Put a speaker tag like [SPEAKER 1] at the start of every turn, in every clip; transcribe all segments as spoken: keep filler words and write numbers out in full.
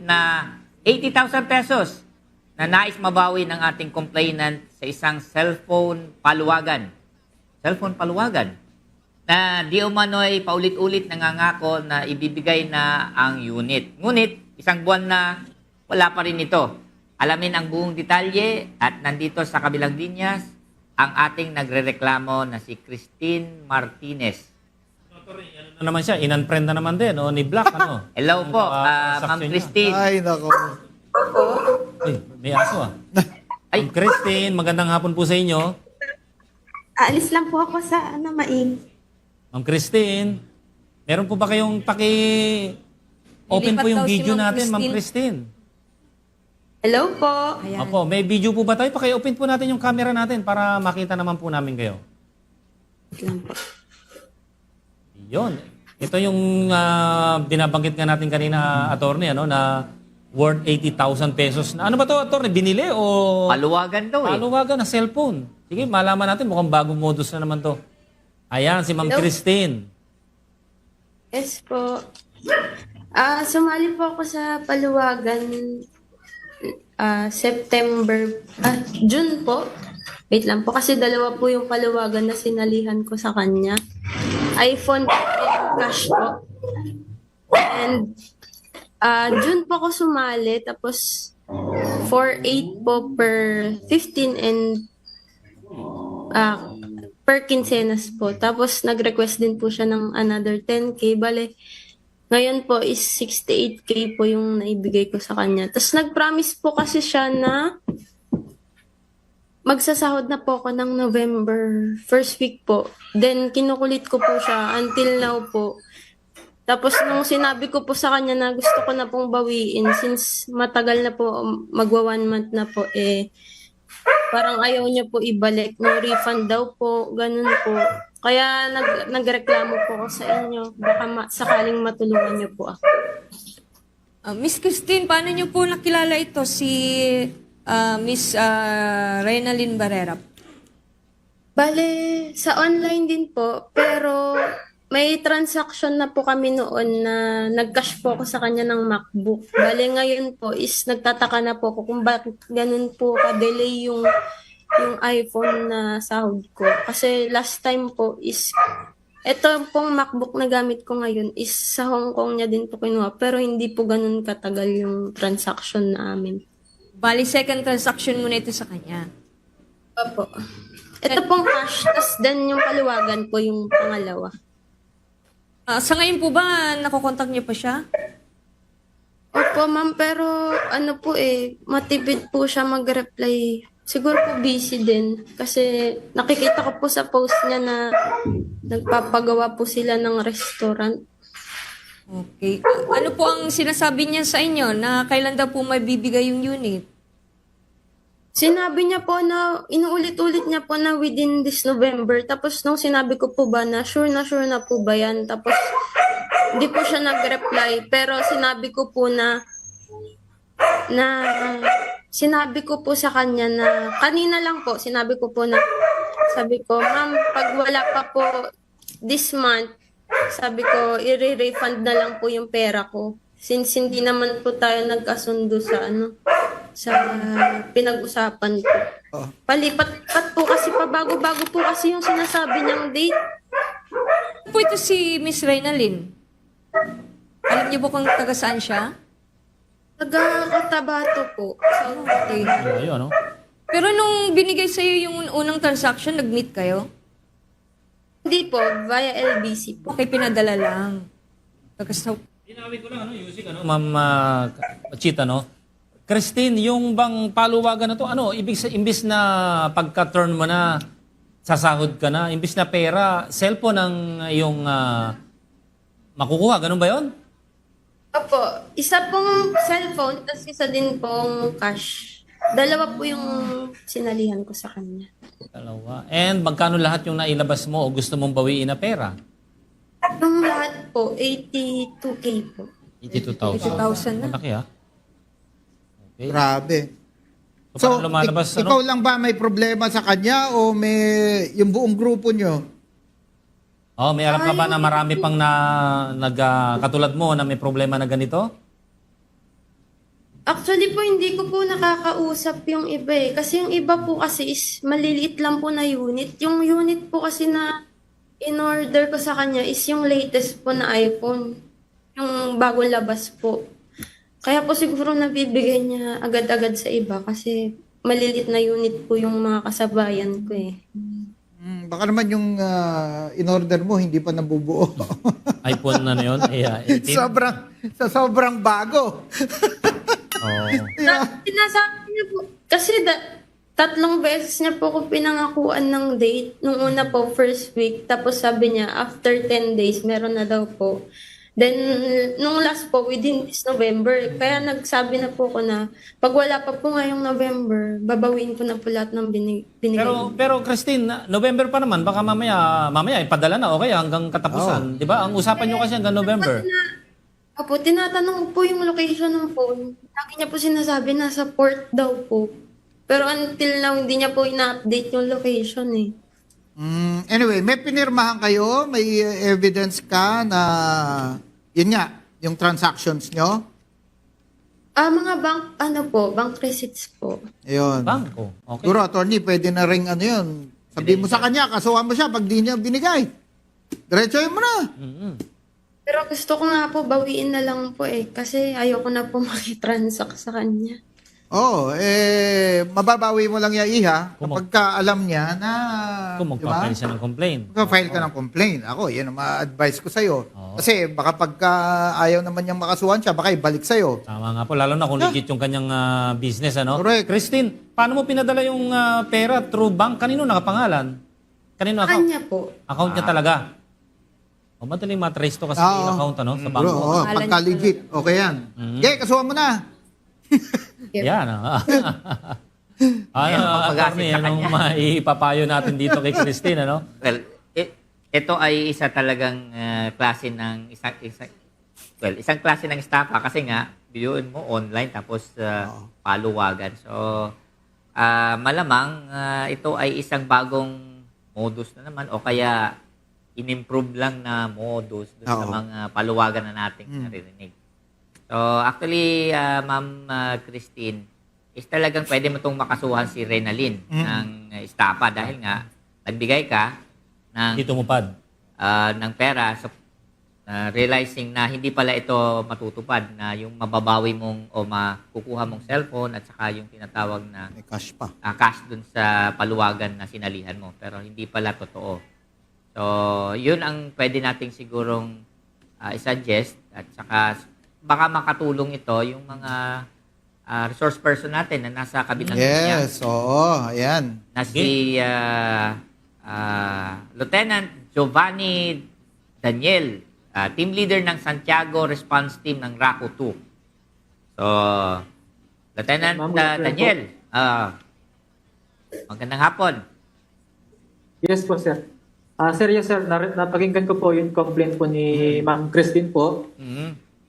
[SPEAKER 1] na eighty thousand pesos na nais mabawi ng ating complainant sa isang cellphone paluwagan. Cellphone paluwagan na di umano'y paulit-ulit nangangako na ibibigay na ang unit. Ngunit, isang buwan na wala pa rin ito. Alamin ang buong detalye at nandito sa kabilang linyas ang ating nagrereklamo na si Christine Martinez.
[SPEAKER 2] Ano naman siya? In-unfriend na naman din, o ni Black, ano?
[SPEAKER 1] Hello po,
[SPEAKER 2] Ang, uh,
[SPEAKER 1] ah, Ma'am
[SPEAKER 2] transaction
[SPEAKER 1] Christine.
[SPEAKER 3] Ay, nako.
[SPEAKER 2] Ay, may aso ah.
[SPEAKER 1] Ay.
[SPEAKER 2] Ma'am Christine, magandang hapon po sa inyo.
[SPEAKER 4] Aalis lang po ako sa ano, Maing.
[SPEAKER 2] Ma'am Christine, meron po ba kayong paki-open po
[SPEAKER 5] Lilipat
[SPEAKER 2] yung
[SPEAKER 5] daw si
[SPEAKER 2] video
[SPEAKER 5] Ma'am
[SPEAKER 2] natin, Ma'am
[SPEAKER 5] Christine.
[SPEAKER 2] Christine?
[SPEAKER 4] Hello po.
[SPEAKER 5] Ayan.
[SPEAKER 2] Opo, may video po ba tayo? Paki-open po natin yung camera natin para makita naman po namin kayo.
[SPEAKER 4] Wait lang po.
[SPEAKER 2] Yun. Ito yung ah, binabanggit nga natin kanina, attorney, ano, na worth eighty thousand pesos. Na, ano ba to, attorney? Binili o
[SPEAKER 1] Paluwagan daw eh.
[SPEAKER 2] paluwagan na cellphone? Sige, malaman natin. Mukhang bagong modus na naman to. Ayan, si Ma'am
[SPEAKER 4] Hello?
[SPEAKER 2] Christine.
[SPEAKER 4] Yes po. Ah, sumali po ako sa paluwagan ah, September, ah, June po. Wait lang po kasi dalawa po yung paluwagan na sinalihan ko sa kanya. iPhone and cash po. And ah, June po ako sumali tapos four eight po per fifteen and ah, per quincenas po. Tapos nag-request din po siya ng another ten K. Bale, ngayon po is sixty-eight K po yung naibigay ko sa kanya. Tapos nag-promise po kasi siya na magsasahod na po ako ng November first week po. Then kinukulit ko po siya until now po. Tapos nung sinabi ko po sa kanya na gusto ko na pong bawiin since matagal na po, magwa one month na po, eh parang ayaw niya po ibalik. No refund daw po, ganun po. Kaya nag, nagreklamo po ako sa inyo. Baka ma- sakaling matulungan niyo po ako.
[SPEAKER 5] Ah, Miss Christine, paano niyo po nakilala ito si ah, Miss uh, Reynalyn Barrera?
[SPEAKER 4] Bale, sa online din po, pero may transaction na po kami noon na nag-cash po ako sa kanya ng MacBook. Bale, ngayon po is nagtataka na po ako kung bakit ganun po ka-delay yung, yung iPhone na sahod ko. Kasi last time po is, ito pong MacBook na gamit ko ngayon is sa Hong Kong niya din po kinuha. Pero hindi po ganun katagal yung transaction namin.
[SPEAKER 5] Bali, second transaction mo na ito sa kanya.
[SPEAKER 4] Opo. Ito pong cash, tas then yung paluwagan po yung pangalawa.
[SPEAKER 5] Ah, sa ngayon po ba, nakokontak niyo pa siya?
[SPEAKER 4] Opo, ma'am, pero ano po eh, matipid po siya mag-reply. Siguro po busy din. Kasi nakikita ko po sa post niya na nagpapagawa po sila ng restaurant.
[SPEAKER 5] Okay. Ah, ano po ang sinasabi niya sa inyo na kailan daw po mabibigay yung unit?
[SPEAKER 4] Sinabi niya po na, inuulit-ulit niya po na within this November. Tapos nung sinabi ko po ba na sure na sure na po ba yan? Tapos hindi po siya nag-reply. Pero sinabi ko po na, na sinabi ko po sa kanya na, kanina lang po, sinabi ko po na, sabi ko, ma'am, pag wala pa po this month, sabi ko, i-refund na lang po yung pera ko. Since hindi naman po tayo nagkasundo sa ano, sa pinag-usapan ko.
[SPEAKER 3] Oh.
[SPEAKER 4] Palipat-pat po kasi pabago-bago po kasi yung sinasabi niyang date.
[SPEAKER 5] Po ito si Miss Reynalyn. Alam niyo po kung taga saan siya?
[SPEAKER 4] Taga-Cotabato po. So,
[SPEAKER 5] Okay.
[SPEAKER 2] Ayun, ano?
[SPEAKER 5] Pero nung binigay sa iyo yung unang transaction, nag-meet kayo?
[SPEAKER 4] hindi po, via L B C po.
[SPEAKER 5] Okay, pinadala lang. Taga
[SPEAKER 2] Dinawin ko lang, ano, music, ano? Ma'am uh, Chita, no? Christine, yung bang paluwagan na to, ano, ibig sa imbis na pagka-turn mo na, sasahod ka na, imbis na pera, cellphone ang yung uh, makukuha, ganun ba yon?
[SPEAKER 4] Opo, isa pong cellphone, tapos isa din pong cash. Dalawa po yung sinalihan ko sa kanya.
[SPEAKER 2] Dalawa. And magkano lahat yung nailabas mo o gusto mong bawiin na pera?
[SPEAKER 4] Yung lahat po, eighty-two K po.
[SPEAKER 2] eighty-two thousand.
[SPEAKER 5] eighty thousand na.
[SPEAKER 2] Malaki, ah. Okay.
[SPEAKER 3] Grabe.
[SPEAKER 2] So,
[SPEAKER 3] So,
[SPEAKER 2] paano lumalabas,
[SPEAKER 3] ik-
[SPEAKER 2] ano?
[SPEAKER 3] ikaw lang ba may problema sa kanya o may yung buong grupo nyo?
[SPEAKER 2] Oh, may alam ka ba na marami pang na nag ah, katulad mo na may problema na ganito?
[SPEAKER 4] Actually po, hindi ko po nakakausap yung iba eh. Kasi yung iba po kasi is maliliit lang po na unit. Yung unit po kasi na in-order ko sa kanya is yung latest po na iPhone. Yung bagong labas po. Kaya po siguro nabibigay niya agad-agad sa iba kasi maliliit na unit po yung mga kasabayan ko eh.
[SPEAKER 3] Mm, baka naman yung ah, in-order mo hindi pa nabubuo.
[SPEAKER 2] iPhone na na yun? Yeah, eighteen?
[SPEAKER 3] sobrang, sa sobrang bago.
[SPEAKER 2] Oh.
[SPEAKER 4] Na, sinasabi niya po, kasi da, tatlong beses niya po ako pinangakuan ng date. Nung una po, first week. Tapos sabi niya, after ten days, meron na daw po. Then, nung last po, within this November. Kaya nagsabi na po ko na, pag wala pa po ngayong November, babawiin ko na po lahat ng binig, binigay.
[SPEAKER 2] Pero pero Christine, na- November pa naman, baka mamaya mamaya ipadala na okay hanggang katapusan, 'di ba? Ang usapan niyo kasi hanggang November.
[SPEAKER 4] Opo, tinatanong ko po yung location ng phone. Lagi niya po sinasabi, nasa port daw po. Pero until now, hindi niya po ina-update yung location eh.
[SPEAKER 3] Mm, anyway, may pinirmahan kayo, may uh, evidence ka na yun nga, yung transactions nyo.
[SPEAKER 4] Ah, mga bank, ano po, bank receipts po.
[SPEAKER 3] Ayun.
[SPEAKER 2] Bangko. Okay.
[SPEAKER 3] Siguro, attorney, pwede na ring ano yun. Sabi mo sa kanya, kasuhan mo siya pag di niya binigay. Diretsohin mo na.
[SPEAKER 2] Mhm.
[SPEAKER 4] Pero gusto ko nga po, bawiin na lang po eh. Kasi ayoko na po makitransact sa kanya.
[SPEAKER 3] Oo, oh, eh, mababawi mo lang yung iha
[SPEAKER 2] Kung
[SPEAKER 3] kapag ka alam niya na,
[SPEAKER 2] Kung
[SPEAKER 3] di ba?
[SPEAKER 2] magpa-file siya ng complaint.
[SPEAKER 3] Magpa-file ka ng complaint. Ako, yan ang ma-advise ko sa'yo.
[SPEAKER 2] Oo.
[SPEAKER 3] Kasi baka pagka ayaw naman niyang makasuhan siya, baka ibalik sa'yo.
[SPEAKER 2] Tama nga po, lalo na kung legit yung kanyang ah, business, ano?
[SPEAKER 3] Correct.
[SPEAKER 2] Christine, paano mo pinadala yung ah, pera through bank? Kanino nakapangalan? Kanino account?
[SPEAKER 4] Kanya po.
[SPEAKER 2] Account niya talaga. O, madaling matrace to kasi
[SPEAKER 3] Oo.
[SPEAKER 2] yung account, ano? Sa
[SPEAKER 3] Bro,
[SPEAKER 2] bangko.
[SPEAKER 3] oh,
[SPEAKER 5] Pangalan
[SPEAKER 3] pagka
[SPEAKER 5] niya
[SPEAKER 3] legit, okay yan.
[SPEAKER 2] Mhm.
[SPEAKER 3] Okay, kasuhan mo na.
[SPEAKER 2] Yan, ah. Ano,
[SPEAKER 1] Yan ang pag-asit
[SPEAKER 2] attorney,
[SPEAKER 1] sa
[SPEAKER 2] anong
[SPEAKER 1] kanya.
[SPEAKER 2] maipapayo natin dito kay Christine, ano?
[SPEAKER 1] Well, i- ito ay isa talagang ah, klase ng isang isang well, isang klase ng estafa kasi nga biyuin mo online tapos ah, paluwagan. So ah, malamang ah, ito ay isang bagong modus na naman o kaya inimprove lang na modus dun sa
[SPEAKER 3] Oo.
[SPEAKER 1] mga paluwagan na nating naririnig. So actually, ah, Ma'am ah, Christine, is talagang pwede mo itong makasuhan si Renalyn ng uh, estafa dahil nga nagbigay ka ng
[SPEAKER 2] Dito mupad.
[SPEAKER 1] ah, ng pera so ah, realizing na hindi pala ito matutupad na yung mababawi mong o makukuha mong cellphone at saka yung tinatawag na
[SPEAKER 3] May cash pa.
[SPEAKER 1] ah, cash dun sa paluwagan na sinalihan mo pero hindi pala totoo. So, yun ang pwede nating sigurong ah, i-suggest at saka baka makatulong ito yung mga ah, resource person natin na nasa kabilang linya.
[SPEAKER 3] Yes, oo, ayan.
[SPEAKER 1] Na si ah, ah, Lieutenant Giovanni Daniel, ah, team leader ng Santiago Response Team ng RACO two. So, Lieutenant
[SPEAKER 6] Ma'am,
[SPEAKER 1] ah,
[SPEAKER 6] good afternoon
[SPEAKER 1] Daniel, ah, magandang hapon.
[SPEAKER 6] Yes po, sir. Ah, sir, yes, sir. Nar- napakinggan ko po yung complaint po ni Ma'am Christine po.
[SPEAKER 1] Mhm.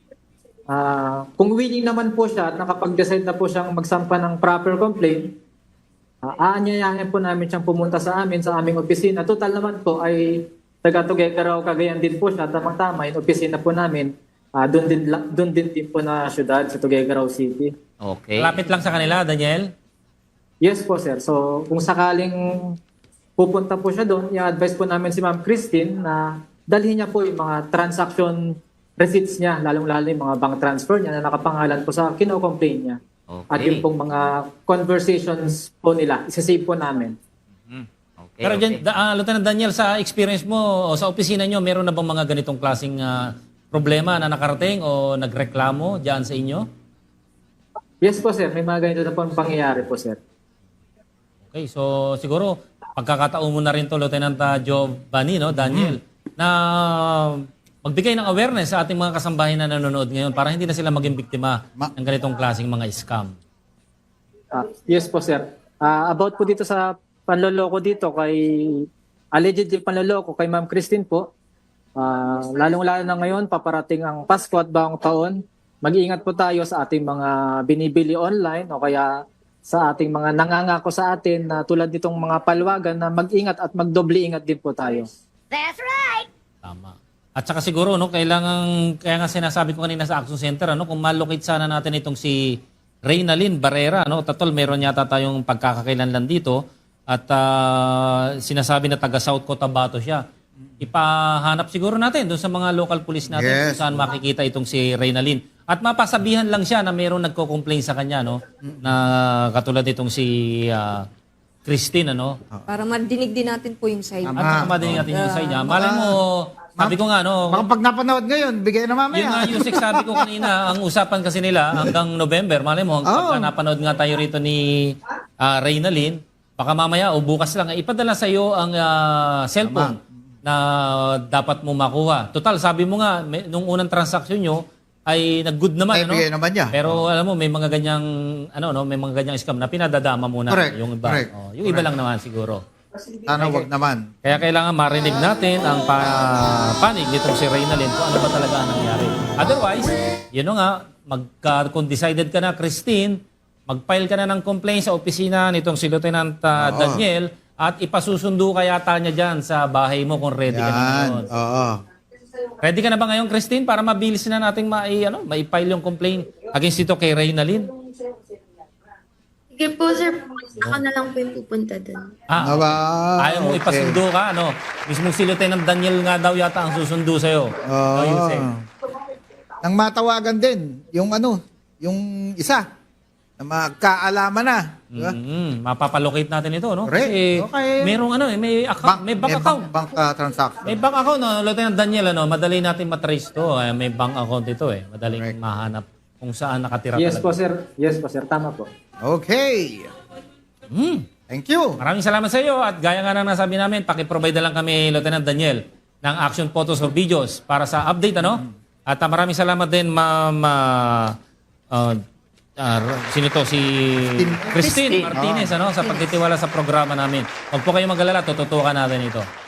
[SPEAKER 6] Ah, kung willing naman po siya at nakapag-decide na po siyang magsampa ng proper complaint, ah, aanyayahin po namin siyang pumunta sa amin, sa aming opisina. Total naman po ay taga Tuguegarao, Cagayan din po siya. Tamang-tama, yung opisina po namin, ah, doon din, la- doon din din po na syudad sa Tuguegarao City.
[SPEAKER 1] Okay.
[SPEAKER 2] Malapit lang sa kanila, Daniel.
[SPEAKER 6] Yes po, sir. So, kung sakaling pupunta po siya doon, i-advise po namin si Ma'am Christine na dalhin niya po yung mga transaction receipts niya, lalong-lalo yung mga bank transfer niya na nakapangalan po sa kino-complain niya.
[SPEAKER 1] Okay.
[SPEAKER 6] At yung pong mga conversations po nila, isa-save po namin.
[SPEAKER 1] Mhm. Okay.
[SPEAKER 2] Pero
[SPEAKER 1] okay.
[SPEAKER 2] dyan, da, ah, Lieutenant Daniel, sa experience mo o sa opisina nyo, meron na bang mga ganitong klaseng ah, problema na nakarating o nagreklamo dyan sa inyo?
[SPEAKER 6] Yes po, sir. May mga ganito na po ang pangyayari po, sir.
[SPEAKER 2] Okay, so siguro pagkakataon mo na rin to, Lieutenant ah, Giovanni, no, Daniel, na magbigay ng awareness sa ating mga kasambahay na nanonood ngayon para hindi na sila maging biktima
[SPEAKER 3] Ma-
[SPEAKER 2] ng ganitong klaseng mga scam.
[SPEAKER 6] Ah, yes po, sir. Ah, about po dito sa panloloko dito kay allegedly panloloko kay Ma'am Christine po. Ah, lalong-lalo na ngayon paparating ang Pasko at Bagong Taon. Mag-iingat po tayo sa ating mga binibili online o kaya sa ating mga nangangako sa atin na tulad nitong mga palwagan na mag-ingat at magdoble ingat din po tayo.
[SPEAKER 2] Tama. At saka siguro, no, kailangan, kaya nga sinasabi ko kanina sa Action Center, ano, kung malocate sana natin itong si Reynalyn Barrera, no? Tatol, meron yata tayong pagkakakilanlan dito at ah, sinasabi na taga South Cotabato siya. Ipahanap siguro natin doon sa mga local police natin
[SPEAKER 3] Yes.
[SPEAKER 2] kung saan makikita itong si Reynalyn. At mapasabihan lang siya na meron nagko-complain sa kanya, no? Na katulad itong si ah, Christine, ano?
[SPEAKER 5] Para madinig din natin po yung side.
[SPEAKER 3] Tama.
[SPEAKER 2] At saka madinig natin yung side niya. Malay mo, sabi ko nga, no?
[SPEAKER 3] Baka pag napanood ngayon, bigay na
[SPEAKER 2] Yun nga,
[SPEAKER 3] mamaya.
[SPEAKER 2] Yusek, sabi ko kanina, ang usapan kasi nila hanggang November. Malay mo,
[SPEAKER 3] Oh.
[SPEAKER 2] pagka napanood nga tayo rito ni uh, Reynalyn, baka mamaya o bukas lang, eh, ipadala sa iyo ang ah, cellphone na dapat mo makuha. Total, sabi mo nga, may, nung unang transaksyon nyo, ay nag-good naman,
[SPEAKER 3] Ay,
[SPEAKER 2] ano?
[SPEAKER 3] bigay naman niya.
[SPEAKER 2] Pero alam mo, may mga ganyang, ano, no, may mga ganyang scam na pinadadama muna
[SPEAKER 3] Correct,
[SPEAKER 2] yung iba.
[SPEAKER 3] correct,
[SPEAKER 2] Oh, yung iba lang naman siguro.
[SPEAKER 3] Sana wag naman.
[SPEAKER 2] Kaya kailangan marinig natin ang pa- panig nitong si Reynalyn kung ano ba talaga ang nangyari. Otherwise, yun na nga, magka, kung decided ka na, Christine, mag-file ka na ng complaint sa opisina nitong si Lieutenant uh,
[SPEAKER 3] Oo.
[SPEAKER 2] Daniel at ipasusundo ka yata niya dyan sa bahay mo kung ready ka na
[SPEAKER 3] Yan.
[SPEAKER 2] ngayon.
[SPEAKER 3] Oo.
[SPEAKER 2] Ready ka na ba ngayon, Christine, para mabilis na nating mai, ano, mai-file yung complaint against ito kay Reynalyn?
[SPEAKER 4] Sige po, sir. Ako na lang po yung pupunta doon.
[SPEAKER 2] Ah,
[SPEAKER 3] Aba,
[SPEAKER 2] ayaw mo
[SPEAKER 3] okay.
[SPEAKER 2] ipasundo ka, ano? Mismo si Lieutenant Daniel nga daw yata ang susundo sa'yo.
[SPEAKER 3] Oo.
[SPEAKER 2] Oh, Yusek.
[SPEAKER 3] Nang matawagan din, yung ano, yung isa, na magkaalaman na. Di ba?
[SPEAKER 2] Mm, mapapalocate natin ito, no?
[SPEAKER 3] Correct.
[SPEAKER 2] Kasi
[SPEAKER 3] Okay.
[SPEAKER 2] merong ano eh, may account, may bank account.
[SPEAKER 3] Bank, bank, uh, transaction.
[SPEAKER 2] May bank account, no? Lieutenant Daniel, ano? Madali natin matrace to. Eh, may bank account ito eh. Madaling
[SPEAKER 3] Correct.
[SPEAKER 2] mahanap kung saan nakatira
[SPEAKER 6] Yes
[SPEAKER 2] talaga.
[SPEAKER 6] po, sir. Yes po, sir. Tama po.
[SPEAKER 3] Okay.
[SPEAKER 2] Mm.
[SPEAKER 3] Thank you.
[SPEAKER 2] Maraming salamat sa iyo at gaya nga ng nasabi namin, paki-provide na lang kami, Lieutenant Daniel, ng action photos or videos para sa update, ano? At uh, maraming salamat din, Ma'am, uh, uh, uh, sino to? Si Christine,
[SPEAKER 1] Christine.
[SPEAKER 2] Martinez, ano? Sa pagtitiwala sa programa namin. Huwag po kayong mag-alala, tututukan natin ito.